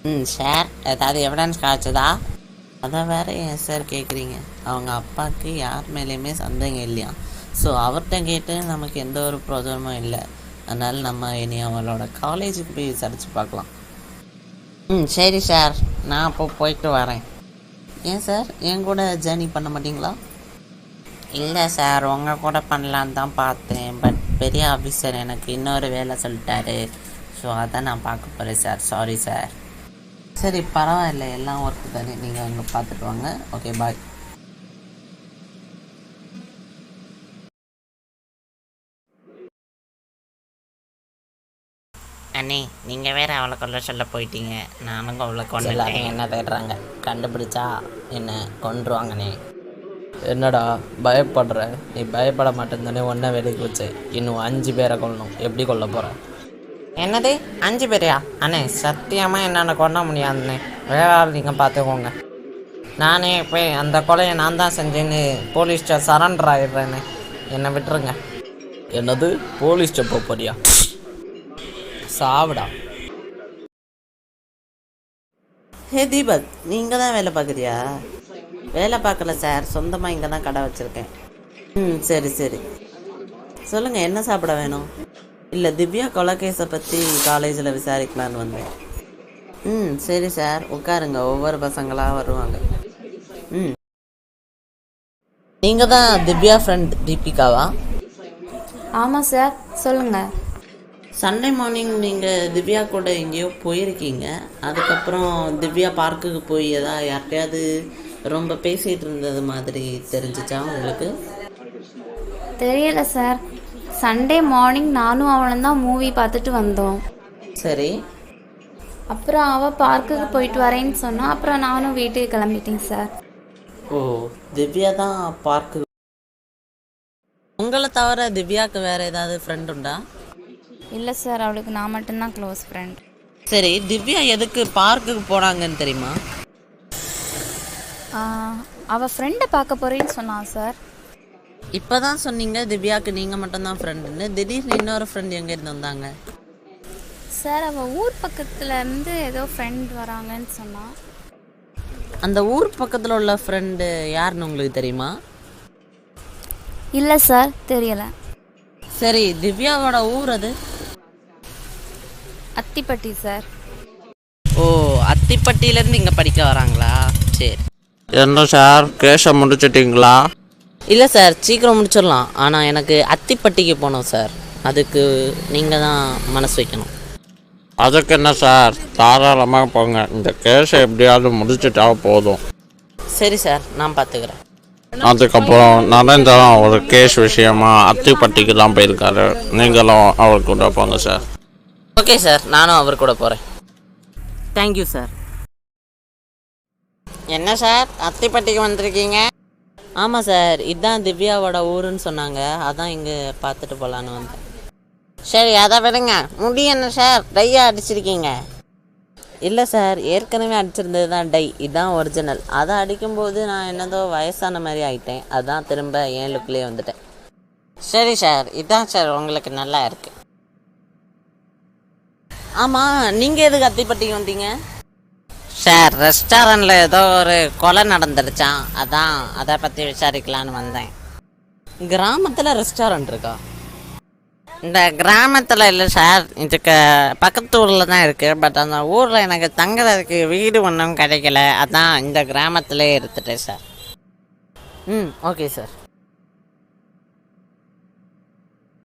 Sir ஏதாவது evidence காய்ச்சதா? அதை வேற ஏன் சார் கேட்குறீங்க? அவங்க அப்பாவுக்கு யார் மேலேயுமே சந்தேகம் இல்லையா. ஸோ அவர்கிட்ட கேட்டு நமக்கு எந்த ஒரு பிரோஜனமும் இல்லை. அதனால் நம்ம இனி அவளோட காலேஜுக்கு போய் விசாரித்து பார்க்கலாம். சரி சார், நான் அப்போ போயிட்டு வரேன். ஏன் சார் என் கூட ஜேர்னி பண்ண மாட்டிங்களா? இல்லை சார், உங்கள் கூட பண்ணலான்னு தான் பார்த்தேன். பட் பெரிய ஆஃபீஸர் எனக்கு இன்னொரு வேலை சொல்லிட்டாரு. ஸோ அதை நான் பார்க்க போகிறேன் சார். Sorry sir. சரி பரவாயில்ல, எல்லாம் ஒர்க்கு தானே. நீங்கள் அங்கே பார்த்துட்டு வாங்க. Okay bye. அண்ணே, நீங்கள் வேறு அவளை கொல்ல சொல்ல போயிட்டீங்க. நானும் அவளை கொண்டு என்ன தேடுறாங்க, கண்டுபிடிச்சா என்ன கொண்டுருவாங்கண்ணே. என்னடா பயப்படுற? நீ பயப்பட மாட்டேன் ஒன்றை வேலைக்கு வச்சு இன்னும் 5 பேரை கொல்லணும். எப்படி கொல்ல போகிற? என்னது 5 பேரையா? அண்ணே சத்தியமாக என்னால் கொல்ல முடியாதுண்ணே. வேற ஆள் நீங்கள் பார்த்துக்கோங்க. நானே போய் அந்த கொலையை நான் தான் செஞ்சேன்னு போலீஸ்ட்ட சரண்டர் ஆகிடுறேண்ணே. என்னை விட்டுருங்க. என்னது போலீஸ்ட்ட போறியா? சாவிடா. ஹே தீபக், நீங்கள் தான் வேலை பார்க்குறியா? வேலை பார்க்கல சார், சொந்தமாக இங்கே தான் கடை வச்சுருக்கேன். சரி சரி, சொல்லுங்கள் என்ன சாப்பிட வேணும்? இல்லை, திவ்யா கொலைகேஸை பற்றி காலேஜில் விசாரிக்கலான்னு வந்தேன். சரி சார், உட்காருங்க. ஒவ்வொரு பசங்களாக வருவாங்க. நீங்கள் தான் திவ்யா ஃப்ரெண்ட் தீபிகாவா? ஆமாம் சார், சொல்லுங்கள். சண்டே மார்னிங் நீங்கள் திவ்யா கூட எங்கேயோ போயிருக்கீங்க. அதுக்கப்புறம் திவ்யா பார்க்குக்கு போய் யார்கிட்டையாவது ரொம்ப பேசிகிட்டு இருந்தது மாதிரி தெரிஞ்சிச்சா உங்களுக்கு? தெரியல சார். சண்டே மார்னிங் நானும் அவளும் தான் மூவி பார்த்துட்டு வந்தோம். சரி. அப்புறம் அவள் பார்க்குக்கு போயிட்டு வரேன்னு சொன்னால் அப்புறம் நானும் வீட்டுக்கு கிளம்பிட்டேன் சார். ஓ, திவ்யா தான் பார்க்கு. உங்களை தவிர திவ்யாவுக்கு வேறு ஏதாவது ஃப்ரெண்ட் உண்டா? இல்லை சார், அவளுக்கு நான் மட்டும்தான் க்ளோஸ் ஃப்ரெண்ட். சரி, திவ்யா எதுக்கு பார்க்குக்கு போனாங்கன்னு தெரியுமா? அவள் ஃப்ரெண்டை பார்க்க போகிறேன்னு சொன்னான் சார். இப்போ தான் சொன்னீங்க திவ்யாவுக்கு நீங்கள் மட்டும்தான் ஃப்ரெண்டுன்னு. திடீர்னு இன்னொரு ஃப்ரெண்ட் எங்கேருந்து வந்தாங்க? சார், அவள் ஊர் பக்கத்துலேருந்து ஏதோ ஃப்ரெண்ட் வராங்கன்னு சொன்னான். அந்த ஊர் பக்கத்தில் உள்ள ஃப்ரெண்டு யாருன்னு உங்களுக்கு தெரியுமா? இல்லை சார், தெரியலை. சரி, திவ்யாவோட ஊர் அது? அத்திப்பட்டி சார். ஓ, அத்திப்பட்டியிலேருந்து இங்கே படிக்க வராங்களா? சரி. என்ன சார், கேஸை முடிச்சிட்டிங்களா? இல்லை சார், சீக்கிரம் முடிச்சிடலாம். ஆனால் எனக்கு அத்திப்பட்டிக்கு போகணும் சார். அதுக்கு நீங்கள் தான் மனசு வைக்கணும். அதுக்கு என்ன சார், தாராளமாக போங்க. இந்த கேஸை எப்படியாவது முடிச்சுட்டா போதும். சரி சார், நான் பார்த்துக்கிறேன். அதுக்கப்புறம் நரேந்திரன் ஒரு கேஸ் விஷயமா அத்திப்பட்டிக்கு தான் போயிருக்காரு. நீங்களும் அவர் கூட போங்க சார். ஓகே சார், நானும் அவர் கூட போகிறேன். Thank you sir. என்ன சார், அத்திப்பட்டிக்கு வந்திருக்கீங்க? ஆமாம் சார், இதுதான் திவ்யாவோட ஊருன்னு சொன்னாங்க. அதான் இங்கே பார்த்துட்டு போகலான்னு வந்தேன். சரி, அதை விடுங்க. முடி என்ன சார் டையாக அடிச்சிருக்கீங்க? இல்லை சார், ஏற்கனவே அடிச்சிருந்தது தான் டை. இதுதான் ஒரிஜினல். அதை அடிக்கும்போது நான் என்னதோ வயசான மாதிரி ஆகிட்டேன். அதான் திரும்ப என் லுக்லேயே வந்துட்டேன். சரி சார், இதுதான் சார் உங்களுக்கு நல்லா இருக்குது. ஆமாம், நீங்கள் எதுக்கு அத்திப்பட்டிக்கு வந்தீங்க? சார், ரெஸ்டாரண்ட்டில் ஏதோ ஒரு கொலை நடந்துருச்சான். அதான் அதை பற்றி விசாரிக்கலான்னு வந்தேன். கிராமத்தில் ரெஸ்டாரண்ட் இருக்கா? இந்த கிராமத்தில் இல்லை சார், இதுக்கு பக்கத்து ஊரில் தான் இருக்குது. பட் அந்த ஊரில் எனக்கு தங்குறதுக்கு வீடு ஒன்றும் கிடைக்கல. அதான் இந்த கிராமத்திலே எடுத்துட்டேன் சார். Okay sir.